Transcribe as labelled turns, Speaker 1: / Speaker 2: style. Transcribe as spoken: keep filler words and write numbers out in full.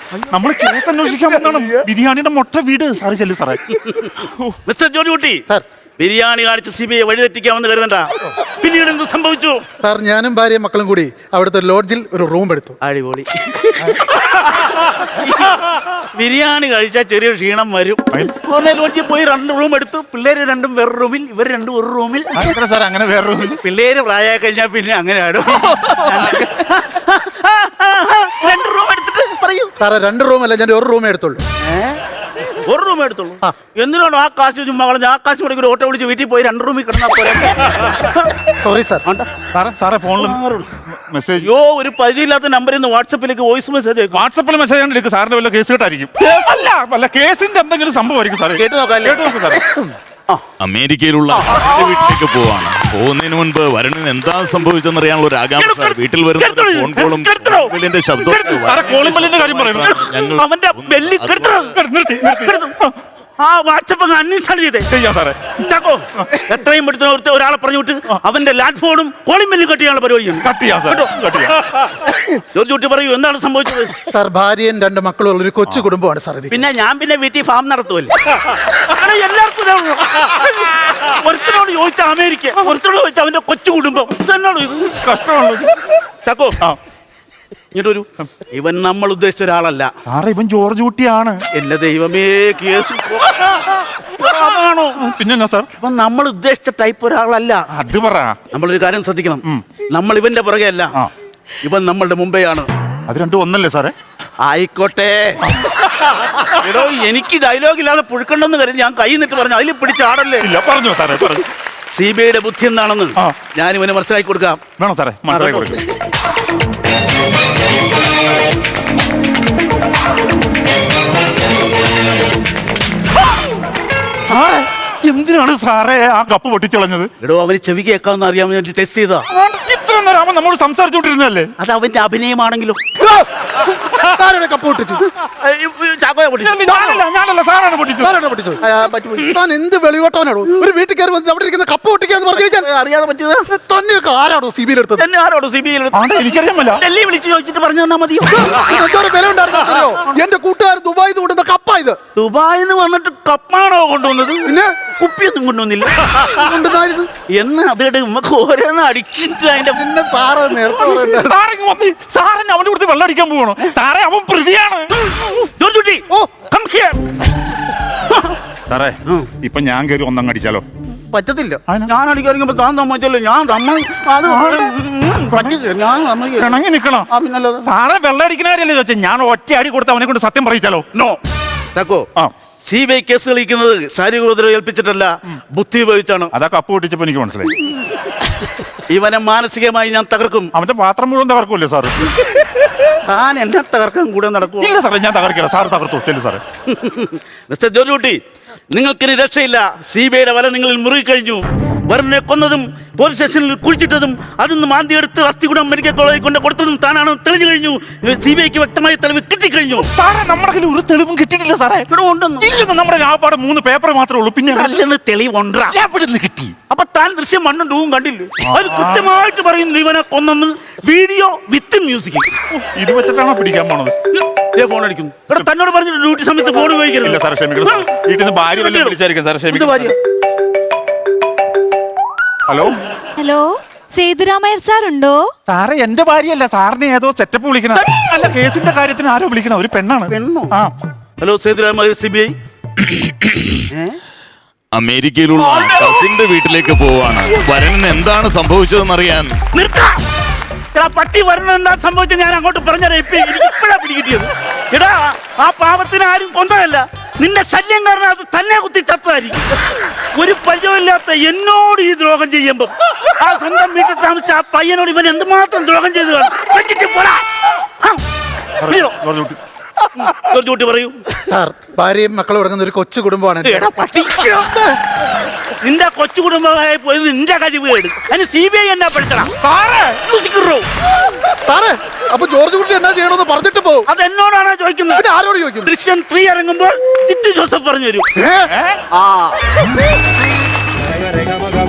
Speaker 1: നമ്മൾ കേസ് അന്വേഷിക്കാൻ വന്നാണ്. ബിരിയാണിയുടെ മുട്ട വീട്. സാറ് ചെല്ലു സാറേ.
Speaker 2: മിസ്റ്റർ ജോർജ് കുട്ടി, ബിരിയാണി കാണിച്ച് സി ബി ഐ വഴിതെറ്റിക്കാമെന്ന് കരുതണ്ട. പിന്നീട് എന്ത് സംഭവിച്ചു?
Speaker 3: സാർ, ഞാനും ഭാര്യയും മക്കളും കൂടി അവിടുത്തെ ലോഡ്ജിൽ ഒരു റൂം എടുത്തു.
Speaker 2: അടിപൊളി. ബിരിയാണി കഴിച്ചാൽ ചെറിയ ക്ഷീണം വരും. ലോഡ്ജിൽ പോയി രണ്ട് റൂം എടുത്തു. പിള്ളേര് രണ്ടും വേറെ റൂമിൽ, ഇവർ രണ്ടും ഒരു റൂമിൽ.
Speaker 1: സാർ അങ്ങനെ വേറെ റൂമിൽ?
Speaker 2: പിള്ളേര് പ്രായമായി കഴിഞ്ഞാൽ പിന്നെ അങ്ങനെയാണ്. രണ്ട് റൂം എടുത്തിട്ട് പറയൂ.
Speaker 3: സാറേ, രണ്ട് റൂം അല്ല, ഞാൻ ഒരു റൂമേ എടുത്തുള്ളൂ.
Speaker 2: ഒരു റൂം എടുത്തുള്ളൂ? എന്തിനാണ് ആ കാശ് ചുമ്മാ കളഞ്ഞ? ആ കാശ് കൂടെ ഒരു ഓട്ടോ വിളിച്ച് വീട്ടിൽ പോയി രണ്ട് റൂമിൽ കിടന്നാൽ പോലെ.
Speaker 3: Sorry sir.
Speaker 1: സാറേ സാറേ ഫോണിൽ മെസ്സേജ്.
Speaker 2: യോ, ഒരു പരിചയമില്ലാത്ത നമ്പറിൽ നിന്ന് വാട്സപ്പിലേക്ക് വോയിസ് മെസ്സേജ്.
Speaker 1: വാട്സപ്പിൽ മെസ്സേജ് കണ്ടെടുക്കും. സാറിന്റെ വല്ല കേസ് കേട്ടായിരിക്കും. അല്ല അല്ല കേസിന്റെ എന്തെങ്കിലും സംഭവമായിരിക്കും സാറേ. കേട്ട് നോക്കാം. കേട്ട് നോക്കാം സാറേ.
Speaker 4: അമേരിക്കയിലുള്ള വീട്ടിലേക്ക് പോവാണ്. പോകുന്നതിന് മുൻപ് വരുണിന് എന്താ സംഭവിച്ചെന്ന് അറിയാനുള്ള ഒരു ആകാംക്ഷ. വീട്ടിൽ വരുന്ന ഫോൺ കോളും ശബ്ദവും.
Speaker 2: അവന്റെ ബെല്ലി ആ വാട്സപ്പ് അന്വേഷണം ചെയ്തേ സാറേ. എത്രയും പെട്ടെന്ന് ഒരാളെ പറഞ്ഞു വിട്ട് അവന്റെ ലാൻഡ് ഫോണും കോളിംഗ് ബെല്ലും കട്ട് ചെയ്യാനുള്ള പരിപാടിയാണ്. ജോർജ് കുട്ടി പറയൂ, എന്താണ് സംഭവിച്ചത്?
Speaker 3: സാർ, ഭാര്യയും രണ്ട് മക്കളും ഉള്ള ഒരു കൊച്ചു കുടുംബമാണ് സാർ.
Speaker 2: പിന്നെ ഞാൻ പിന്നെ വീട്ടിൽ ഫാം നടത്തുമല്ലേ. എല്ലാവർക്കും ഒരുത്തനോട് ചോദിച്ച അമേരിക്ക, ഒരുത്തനോട് ചോദിച്ച അവന്റെ കൊച്ചു കുടുംബം. ഇതെന്നോട് കഷ്ടമാണല്ലോ. ചക്കോ, ഇങ്ങോട്ട് വരൂ. ഇവൻ നമ്മൾ ഉദ്ദേശിച്ച ഒരാളല്ല
Speaker 1: സാറേ. ഇവൻ ജോർജ് കുട്ടിയാണ്.
Speaker 2: എന്റെ ദൈവമേ, കേസ് ആണോ?
Speaker 1: പിന്നെ സാർ,
Speaker 2: ഇവൻ നമ്മൾ ഉദ്ദേശിച്ച ടൈപ്പ് ഒരാളല്ല.
Speaker 1: അത് പറ.
Speaker 2: നമ്മളൊരു കാര്യം ശ്രദ്ധിക്കണം. നമ്മൾ ഇവന്റെ പുറകെ അല്ല, ഇവൻ നമ്മളുടെ മുമ്പെയാണ്.
Speaker 1: അത് രണ്ടും ഒന്നല്ലേ സാറേ?
Speaker 2: ആയിക്കോട്ടെ. എടോ, എനിക്ക് ഡയലോഗ് ഇല്ലാതെ പുഴുക്കണ്ടെന്ന് കരുതി ഞാൻ കൈ നിട്ട് പറഞ്ഞു. അതിൽ പിടിച്ചാടല്ലേ.
Speaker 1: ഇല്ല, പറഞ്ഞു സാറേ, പറഞ്ഞു.
Speaker 2: സി ബി ഐയുടെ ബുദ്ധി എന്താണെന്ന് ഞാൻ ഇവന് മനസ്സിലാക്കി കൊടുക്കാം.
Speaker 1: വേണോ സാറേ? മനസ്സിലാക്കി കൊടുക്കാം. എന്തിനാണ് സാറേ ആ കപ്പ് പൊട്ടിച്ചളഞ്ഞത്?
Speaker 2: എടോ, അവന് ചെവി കേൾക്കാമെന്ന് അറിയാൻ വേണ്ടി ടെസ്റ്റ് ചെയ്താ.
Speaker 1: ഇത്ര നേരം അവൻ നമ്മോട് സംസാരിച്ചോണ്ടിരുന്നല്ലേ?
Speaker 2: അത് അവന്റെ അഭിനയമാണെങ്കിലും.
Speaker 3: കപ്പ് പൊട്ടിച്ചു.
Speaker 1: ഞാനല്ല, സാറാണ് പൊട്ടിച്ചത്.
Speaker 3: താൻ എന്ത് വെളിവട്ടവനാണോ? ഒരു വീട്ടിൽ കയറി വന്നിട്ട് അവിടെ ഇരിക്കുന്ന കപ്പ് പൊട്ടിക്കാന്ന് പറഞ്ഞു കഴിഞ്ഞാൽ
Speaker 2: അറിയാതെ പറ്റിയത്
Speaker 3: തന്നെയൊക്കെ ആരാണോ സി ബി ഐ എടുത്തത്?
Speaker 2: എന്നെ ആരോടോ സി ബി ഐ?
Speaker 1: എനിക്കറിയാമല്ലോ.
Speaker 2: ഡൽഹി വിളിച്ച് ചോദിച്ചിട്ട് പറഞ്ഞു തന്നാ മതിയോ?
Speaker 3: എന്തോരം വില ഉണ്ടായിരുന്നോ? എന്റെ കൂട്ടുകാർ ദുബായിൽ നിന്ന് കൊണ്ടുവന്ന കപ്പാ ഇത്.
Speaker 2: ദുബായിൽ നിന്ന് വന്നിട്ട് കപ്പാണോ കൊണ്ടുവന്നത്?
Speaker 3: പിന്നെ
Speaker 2: കുപ്പിയൊന്നും കൊണ്ടുവന്നില്ല.
Speaker 3: കൊണ്ടുവന്നായിരുന്നു
Speaker 2: എന്ന് അതിടെ നമുക്ക് ഓരോന്ന് അടിച്ചിട്ട് അതിന്റെ
Speaker 3: പിന്നെ സാറ് നേരത്തെ
Speaker 1: സാറിന് അവന്റെ കൊടുത്ത് വെള്ളം അടിക്കാൻ പോകണോ? സാറേ, അവൻ പ്രതിയാണ്. സാറേ, ഇപ്പൊ ഞാൻ കയറി ഒന്നങ്ങ് അടിച്ചാലോ?
Speaker 2: പറ്റത്തില്ല. ഞാൻ അടിക്കാറിയുമ്പോ താൻ സമ്മതിച്ചല്ലോ. ഞാൻ
Speaker 1: ഇണങ്ങി നിക്കണം. സാറേ, വെള്ളം അടിക്കണാരല്ലേ ചോദിച്ചാ? ഞാൻ ഒറ്റ അടി കൊടുത്ത് അവനെ കൊണ്ട് സത്യം പറയിച്ചാലോ?
Speaker 2: നോ തക്കോ. സി ബി ഐ കേസ് കളിക്കുന്നത് ശാരീരിക ഉപദ്രവം ഏൽപ്പിച്ചിട്ടല്ല, ബുദ്ധി ഉപയോഗിച്ചാണ്.
Speaker 1: അതാ കപ്പ് പൊട്ടിച്ചപ്പോ എനിക്ക് മനസ്സിലായി.
Speaker 2: ഇവനെ മാനസികമായി ഞാൻ തകർക്കും.
Speaker 1: അവന്റെ പാത്രം മുഴുവൻ തകർക്കൂല്ലേ സാറ്?
Speaker 2: താൻ എന്നെ തകർക്കാൻ കൂടെ നടക്കും.
Speaker 1: ഇല്ല സാറേ, ഞാൻ തകർക്കില്ല. സാറ് തകർത്തു ചെല്ലു സാറേ.
Speaker 2: മിസ്റ്റർ ജോർജ് കുട്ടി, നിങ്ങൾക്കിനി രക്ഷയില്ല. സി ബി ഐയുടെ വല നിങ്ങളിൽ മുറുകി കഴിഞ്ഞു. വരുണിനെ കൊന്നതും പോലീസ് സ്റ്റേഷനിൽ കുഴിച്ചിട്ടതും അതിന്ന് മാന്തി എടുത്ത് അസ്ഥികുടം മെഡിക്കൽ കോളേജിൽ കൊണ്ട് കൊടുത്തതും താനാണ് തെളിഞ്ഞു കഴിഞ്ഞു. സി ബി ഐക്ക് വ്യക്തമായ തെളിവ് കിട്ടിക്കഴിഞ്ഞു.
Speaker 1: സാറേ, നമ്മുടെ കയ്യിൽ ഒരു തെളിവും കിട്ടിയിട്ടില്ല സാറേ. ഇല്ലെന്ന് നമ്മുടെ ആപ്പാട് മൂന്ന് പേപ്പർ മാത്രമേ ഉള്ളൂ. പിന്നെ
Speaker 2: തെളിവുണ്ടാ
Speaker 1: കിട്ടി.
Speaker 2: അപ്പൊ താൻ ദൃശ്യം മണ്ണും ഡൂവും കണ്ടില്ലേ? അത് കൃത്യമായിട്ട് പറയുന്നു ഇവനെ കൊന്നെന്ന്. Video with music.
Speaker 1: ഇത് വെച്ചിട്ടാണോ പിടിക്കാൻ പോണത്?
Speaker 2: ഫോൺ അടിക്കുന്നു. ഇവിടെ തന്നോട് പറഞ്ഞിട്ട് ഡ്യൂട്ടി സമയത്ത് ഫോൺ ഉപയോഗിക്കരുത്.
Speaker 1: സാർ ക്ഷമിക്കണം. വീട്ടിൽ നിന്ന് ഭാര്യ വിളിച്ചായിരിക്കും സാർ. ക്ഷമിക്കണം. ഹലോ
Speaker 5: ഹലോ, സേതുരാമയ്യർ സാർ ഉണ്ടോ?
Speaker 1: സാറേ, എന്റെ ഭാര്യയല്ല. സാറിനെ ഏതോ സെറ്റപ്പ് വിളിക്കണം. അല്ല, കേസിന്റെ കാര്യത്തിന് ആരോ വിളിക്കണം. ഒരു പെണ്ണാണ്.
Speaker 2: പെണ്ണോ? ആ. Hello, Sethuramaiyer, C B I.
Speaker 4: അമേരിക്കയിലുള്ള കസിന്റെ വീട്ടിലേക്ക് പോവാണ്. വരുണിന് എന്താണ് സംഭവിച്ചതെന്ന് അറിയാൻ.
Speaker 2: പട്ടി വരുന്ന എന്താ സംഭവിച്ചത് ഞാൻ അങ്ങോട്ട് പറഞ്ഞാൽ ഇപ്പഴാ പിടികിട്ടിയത്. എടാ, ആ പാവത്തിന് ആരും കൊന്നതല്ല, നിന്റെ ശല്യം കാരണം അത് തന്നെ കുത്തി ചത്തായിരിക്കും. ഒരു പരിചയമില്ലാത്ത എന്നോട് ഈ ദ്രോഹം ചെയ്യുമ്പോ ആ സ്വന്തം വീട്ടിൽ താമസിച്ച ആ പയ്യനോട് ഇവൻ എന്തുമാത്രം ദ്രോഹം ചെയ്തു കാണും. പറയൂ
Speaker 3: സാർ. ഭാര്യയും മക്കളും അടങ്ങുന്ന ഒരു കൊച്ചു കുടുംബമാണ്.
Speaker 2: നിന്റെ കൊച്ചു കുടുംബമായി പോയത് നിന്റെ കഴിവ് കേട്. അതിന് സി ബി ഐ എന്നാ പഠിച്ചടാ
Speaker 3: സാറേ? അപ്പൊ ജോർജ് കുട്ടി എന്നാ ചെയ്യണമെന്ന് പറഞ്ഞിട്ട് പോകും.
Speaker 2: അത് എന്നോടാണോ ചോദിക്കുന്നത്?
Speaker 3: ആരോട് ചോദിക്കും?
Speaker 2: ദൃശ്യം ത്രീ ഇറങ്ങുമ്പോൾ ജിത്തു ജോസഫ് പറഞ്ഞു തരും. ആ